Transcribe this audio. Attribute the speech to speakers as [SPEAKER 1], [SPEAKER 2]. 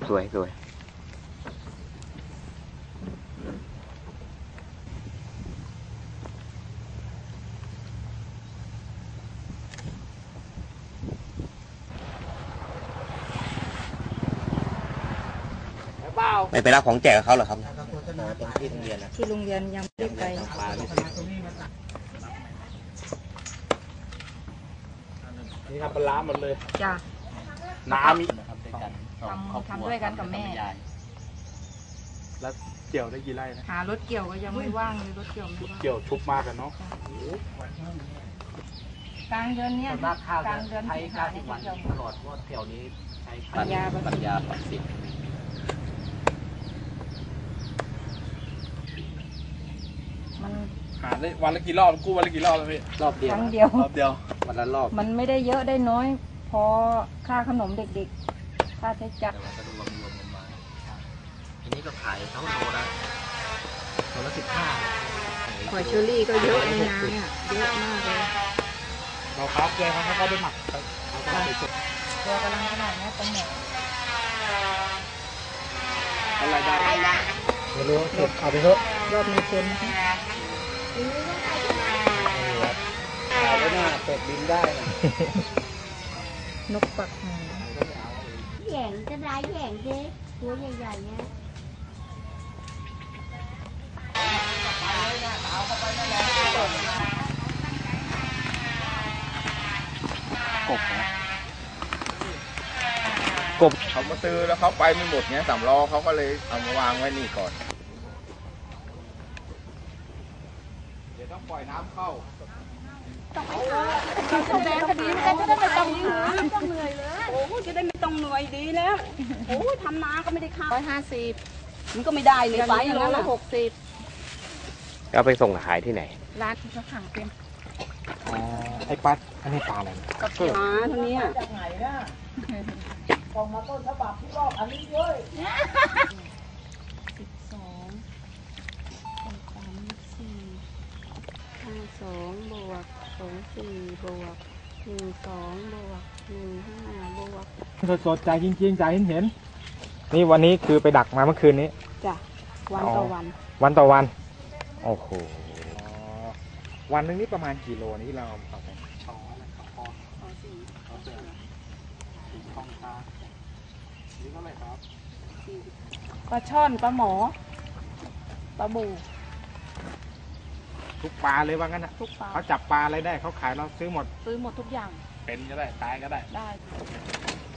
[SPEAKER 1] สวยสวยไปรับของแจกเขาเหรอครับตรงที่โรงเรียนนะ
[SPEAKER 2] ที่โรงเรียนยังไม่ได้ไป
[SPEAKER 3] นี่ครับปลาหมดเลย
[SPEAKER 2] จ้ะ
[SPEAKER 3] น้ำมี
[SPEAKER 2] ทำด้วยกันกับแม่
[SPEAKER 3] แล้วเกี่ยวได้กี่ไร่นะ
[SPEAKER 2] หารถเกี่ยวก็ยังไม่ว่างเลยรถเกี่ยวไม่ว่าง
[SPEAKER 3] เกี่ยวชุบมากกันเนาะ
[SPEAKER 2] กลางเดือนเนี้ยกลางเดือนสิงหาเนี่ยจะเกี่ยว
[SPEAKER 1] ตลอดว่าแถวนี้ใช้
[SPEAKER 2] ปัญญา
[SPEAKER 1] ปักสิบ
[SPEAKER 2] มัน
[SPEAKER 3] หาได้วันละกี่รอบกู้วันละกี่รอบแล้วพี่
[SPEAKER 1] รอบเดียว
[SPEAKER 2] ครั้งเดียว
[SPEAKER 1] วันละรอบ
[SPEAKER 2] มันไม่ได้เยอะได้น้อยพอค่าขนมเด็กๆค่าใช้จ่าย
[SPEAKER 1] ก็รวมกันมาทีนี้ก็ขายเท่าโลละ15
[SPEAKER 2] หอยเชอรี่ก็เยอะในนาเนี่ยเยอะมากเลย
[SPEAKER 3] เราครับเลยครับเขาไปหมัก
[SPEAKER 2] ตัวกำลังขนาดนี้เป็นหมด
[SPEAKER 3] อะไรได้ไม่รู้เอาไปเถอะ
[SPEAKER 2] รอบมีคน
[SPEAKER 1] ขายแล้วน่าเป็ดบินได้นะ
[SPEAKER 2] นกปักหาง
[SPEAKER 4] แหย่งจะได้แหย่งดิตัวใหญ่ๆเนี่ย
[SPEAKER 1] กบนะกบเขามาซื้อแล้วเขาไปไม่หมดเงี้ย3 ล้อเขาก็เลยเอามาวางไว้นี่ก่อน
[SPEAKER 3] เดี๋ยวต้องปล่อยน้ำเข้า
[SPEAKER 4] แดงคดีมันจะได้ไม่ต้องเหนื่อยต้องเหนื่อยเลยโอ้จะได้ไม่ต้องเหนื่อยดีแล้วโอ้ทำนาก็ไม่ได้ค่า150มันก็ไม่ได้เลยไปอย่างนั้น60
[SPEAKER 1] ก็ไปส่งขายที่ไหน
[SPEAKER 2] ร้านที่เขาขังเป็น
[SPEAKER 3] ไอ้ปัดอันนี้ปลาอะไร
[SPEAKER 4] กับปลาเท่านี้จากไหนนะ
[SPEAKER 2] กองมาต้นฉบับที่รอบอันนี้เลย
[SPEAKER 4] 12 บวก24บวก12บวก15บวก
[SPEAKER 3] สดๆใจจริงๆใจเห็นนี่วันนี้คือไปดักมาเมื่อคืนนี้
[SPEAKER 4] จ้ะวันต่อวัน
[SPEAKER 3] วันต่อวันโอ้โหวันนึงนี่ประมาณกี่โลนี่เราเอาไปช้อนข้อ4 ช่องตานี่เท่าไหร่ครับ
[SPEAKER 4] ปลาช่อนปลาหมอปลาบู
[SPEAKER 3] ทุกปลาเลยว่างั้นนะ
[SPEAKER 4] ทุกปลา
[SPEAKER 3] เขาจับปลาอะไรได้เขาขายเราซื้อหมด
[SPEAKER 4] ทุกอย่าง
[SPEAKER 3] เป็นก็ได้ตายก็ได้